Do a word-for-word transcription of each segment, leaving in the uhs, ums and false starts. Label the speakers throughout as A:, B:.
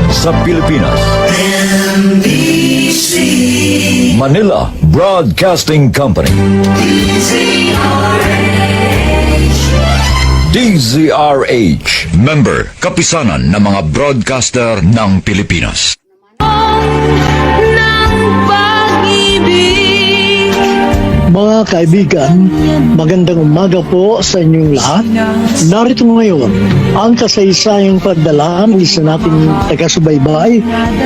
A: sa Pilipinas.
B: M B C
A: Manila Broadcasting Company. D Z R H. Member, kapisanan ng mga broadcaster ng Pilipinas.
C: Mga kaibigan, magandang umaga po sa inyong lahat. Narito ngayon ang kasaysayang pagdalaan ng isa nating taga-subaybay.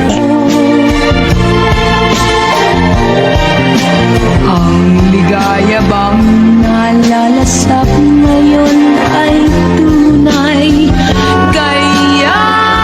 D: Ang ligaya bang nalalasap ngayon ay tunay, kaya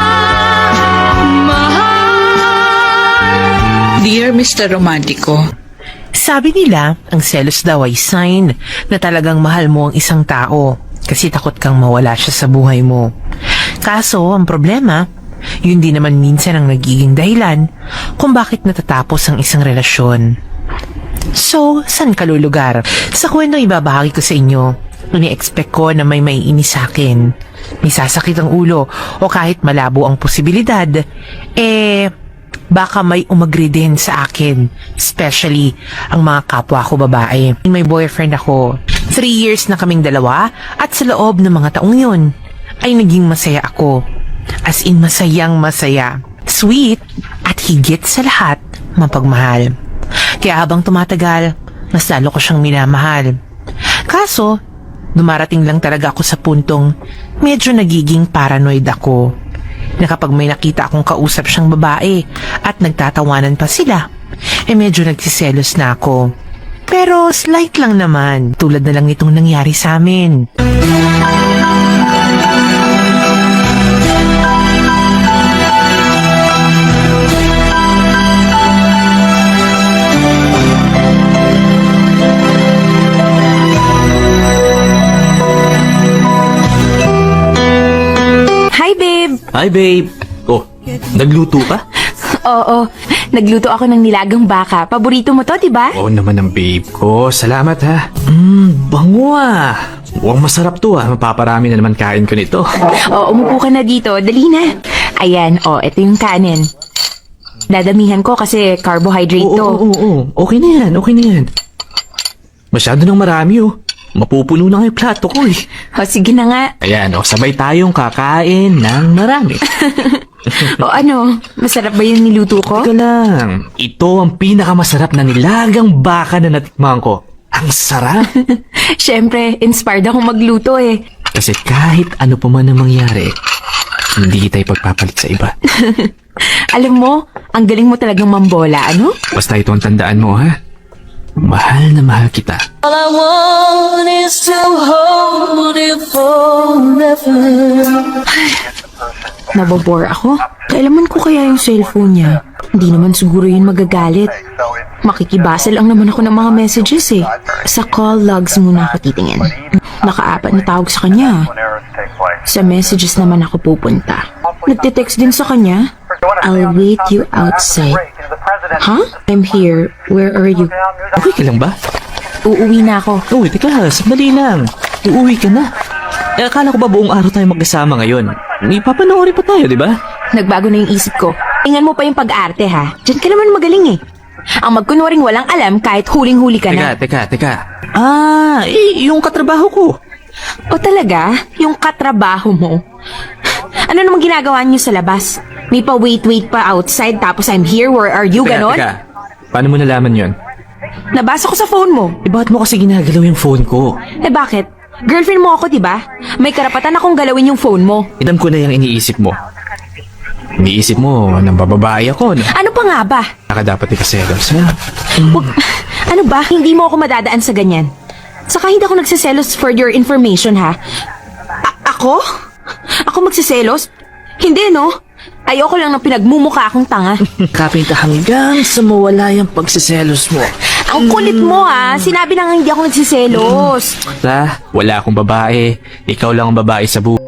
D: mahal.
E: Dear Mister Romantico,
F: sabi nila, ang selos daw ay sign na talagang mahal mo ang isang tao kasi takot kang mawala siya sa buhay mo. Kaso, ang problema, yun din naman minsan ang nagiging dahilan kung bakit natatapos ang isang relasyon. So, saan ka lulugar? Sa kwento ibabahagi ko sa inyo, ini-expect ko na may maiinis sa akin, may sasakit ang ulo, o kahit malabo ang posibilidad, eh, baka may umagri din sa akin, especially ang mga kapwa ko babae. May boyfriend ako. Three years na kaming dalawa at sa loob ng mga taong yun ay naging masaya ako. As in masayang masaya. Sweet at higit sa lahat, mapagmahal. Kaya habang tumatagal, mas lalo ko siyang minamahal. Kaso, dumarating lang talaga ako sa puntong medyo nagiging paranoid ako. Na kapag may nakita akong kausap siyang babae at nagtatawanan pa sila, eh medyo nagsiselos na ako. Pero slight lang naman, tulad na lang itong nangyari sa amin.
G: Hi, babe!
H: Hi, babe. Oh, nagluto ka?
G: Oo, nagluto ako ng nilagang baka. Paborito mo to, di ba?
H: Oo naman ang babe ko. Salamat ha. Mmm, bango ah. Mukhang masarap to ah. Mapaparami na naman kain ko nito.
G: Oo, umupo ka na dito. Dali na. Ayan, oh, ito yung kanin. Dadamihan ko kasi carbohydrate
H: Oo,
G: to.
H: oo, oo, oo. Okay na yan, okay na yan. Masyado nang marami oh. Mapupuno na nga yung plato ko eh.
G: O, sige na nga.
H: Ayan, oh, sabay tayong kakain ng marami.
G: O ano, masarap ba yung niluto ko?
H: Teka lang, ito ang pinakamasarap na nilagang baka na natikman ko. Ang sarap!
G: Siyempre, inspired akong magluto eh.
H: Kasi kahit ano pa man ang mangyari, hindi kita ipagpapalit sa iba.
G: Alam mo, ang galing mo talagang mambola, ano?
H: Basta ito ang tandaan mo, ha? Mahal na mahal kita.
D: All I want is to hold you forever.
G: Nabobore ako. Kailaman ko kaya yung cellphone niya. Hindi naman siguro yun magagalit. Makikibasa lang naman ako ng mga messages eh. Sa call logs muna ako titingin. Naka-apat na tawag sa kanya. Sa messages naman ako pupunta. Nagte-text din sa kanya. I'll wait you outside. Huh? I'm here. Where are you?
H: Okay ka lang ba?
G: Uuwi na ako.
H: Uy, teka, sandali lang. Uuwi ka na. Eh, akala ko ba buong araw tayo magkasama ngayon? May papanoorin pa tayo, di ba?
G: Nagbago na yung isip ko. Tingnan mo pa yung pag-arte ha. Diyan ka naman magaling eh. Ang magkunwaring walang alam kahit huling-huli ka na.
H: Teka, teka, teka. Ah, eh, yung katrabaho ko.
G: O talaga? Yung katrabaho mo? Ano namang ginagawa niyo sa labas? May pa wait-wait pa outside tapos I'm here, where are you,
H: Teka,
G: ganon?
H: teka. Paano mo nalaman yon?
G: Nabasa ko sa phone mo.
H: Eh, bakit mo kasi ginagalaw yung phone ko?
G: Eh bakit? Girlfriend mo ako, di ba? May karapatan akong galawin yung phone mo.
H: Idam ko na yung iniisip mo. Iniisip mo, nang bababae ako, no?
G: Ano pa nga ba?
H: Saka dapat ikaselos, ha?
G: Wag, ano ba? Hindi mo ako madadaan sa ganyan. Saka hindi ako nagsiselos for your information, ha? A- ako? Ako magsiselos? Hindi, no? Ayoko lang na pinagmumukha akong tanga.
H: Kapin ka hanggang sa mawala yung pagsiselos mo.
G: Ang kulit mo, ah. Sinabi na nga hindi ako nagsiselos.
H: Ta, wala akong babae. Ikaw lang ang babae sa buhay.